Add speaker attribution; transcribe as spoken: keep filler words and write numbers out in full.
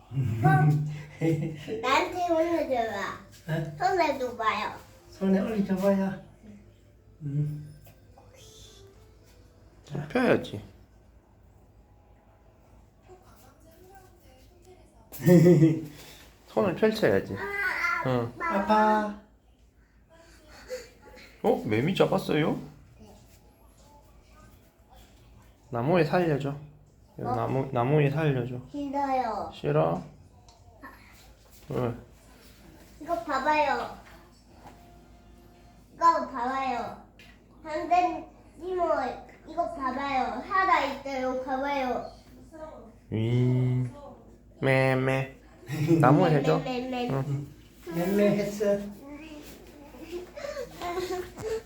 Speaker 1: 나한테 올려줘봐.
Speaker 2: 어?
Speaker 1: 손에 둬봐요.
Speaker 2: 손에 올려줘봐요. 음.
Speaker 3: 펴야지. 손을 펼쳐야지. 응.
Speaker 2: 아빠.
Speaker 3: 어? 매미 잡았어요? 나무에 살려줘. 이거
Speaker 1: 어?
Speaker 3: 나무 나무에 살려줘.
Speaker 1: 싫어요.
Speaker 3: 싫어? 왜?
Speaker 1: 이거 봐봐요. 이거 봐봐요. 한대 이모 이거 봐봐요. 살아 있어요. 봐봐요.
Speaker 3: 위. 매매. 나무에 해줘.
Speaker 1: 매, 매, 매.
Speaker 3: 응.
Speaker 2: 맴매했어.